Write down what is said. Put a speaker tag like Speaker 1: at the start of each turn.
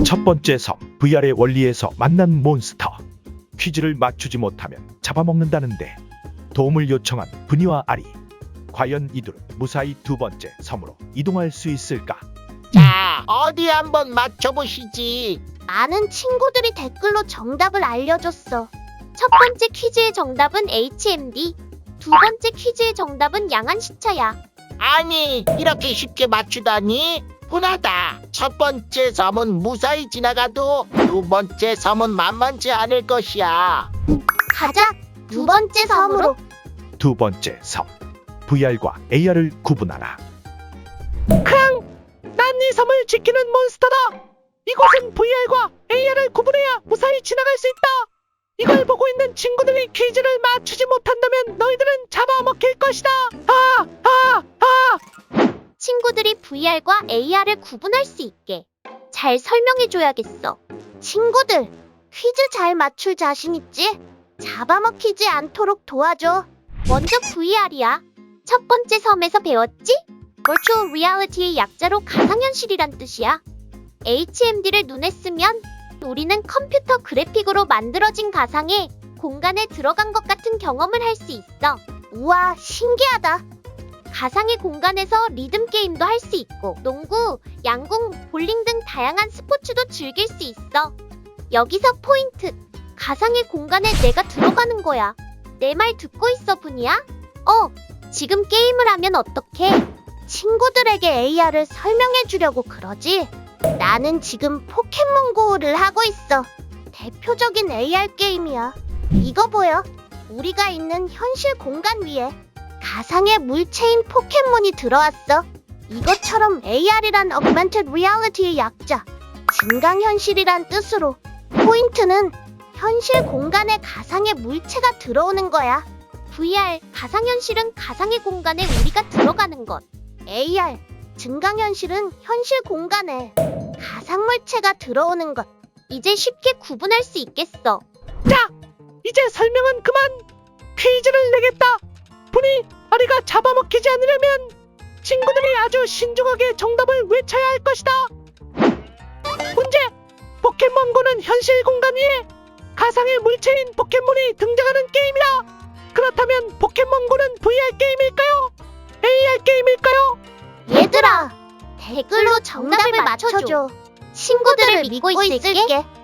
Speaker 1: 첫 번째 섬, VR의 원리에서 만난 몬스터. 퀴즈를 맞추지 못하면 잡아먹는다는데 도움을 요청한 분이와 아리. 과연 이들은 무사히 두 번째 섬으로 이동할 수 있을까?
Speaker 2: 자, 어디 한번 맞춰보시지.
Speaker 3: 많은 친구들이 댓글로 정답을 알려줬어. 첫 번째 퀴즈의 정답은 HMD, 두 번째 퀴즈의 정답은 양안시차야.
Speaker 2: 아니, 이렇게 쉽게 맞추다니? 분하다. 첫 번째 섬은 무사히 지나가도 두 번째 섬은 만만치 않을 것이야.
Speaker 3: 가자, 두 번째 섬으로.
Speaker 1: 두 번째 섬, VR과 AR을 구분하라.
Speaker 4: 난 이 섬을 지키는 몬스터다. 이곳은 VR과 AR을 구분해야 무사히 지나갈 수 있다. 이걸 보고 있는 친구들이 퀴즈를 맞추지 못한다면 너희들은 잡아먹힐 것이다.
Speaker 3: 친구들이 VR과 AR을 구분할 수 있게 잘 설명해줘야겠어. 친구들, 퀴즈 잘 맞출 자신 있지? 잡아먹히지 않도록 도와줘. 먼저 VR이야. 첫 번째 섬에서 배웠지? Virtual Reality의 약자로 가상현실이란 뜻이야. HMD를 눈에 쓰면 우리는 컴퓨터 그래픽으로 만들어진 가상의 공간에 들어간 것 같은 경험을 할 수 있어. 우와, 신기하다. 가상의 공간에서 리듬 게임도 할 수 있고 농구, 양궁, 볼링 등 다양한 스포츠도 즐길 수 있어. 여기서 포인트! 가상의 공간에 내가 들어가는 거야. 내 말 듣고 있어, 분이야? 지금 게임을 하면 어떡해? 친구들에게 AR을 설명해 주려고 그러지? 나는 지금 포켓몬고를 하고 있어. 대표적인 AR 게임이야. 이거 보여? 우리가 있는 현실 공간 위에 가상의 물체인 포켓몬이 들어왔어. 이것처럼 AR이란 Augmented Reality의 약자, 증강현실이란 뜻으로 포인트는 현실 공간에 가상의 물체가 들어오는 거야. VR, 가상현실은 가상의 공간에 우리가 들어가는 것. AR, 증강현실은 현실 공간에 가상물체가 들어오는 것. 이제 쉽게 구분할 수 있겠어.
Speaker 4: 자, 이제 설명은 그만. 퀴즈를 내겠다. 분이 아리가 잡아먹히지 않으려면 친구들이 아주 신중하게 정답을 외쳐야 할 것이다. 문제! 포켓몬고는 현실 공간 위에 가상의 물체인 포켓몬이 등장하는 게임이다. 그렇다면 포켓몬고는 VR 게임일까요? AR 게임일까요?
Speaker 3: 얘들아, 댓글로 정답을 맞춰줘. 친구들을 믿고 있을게.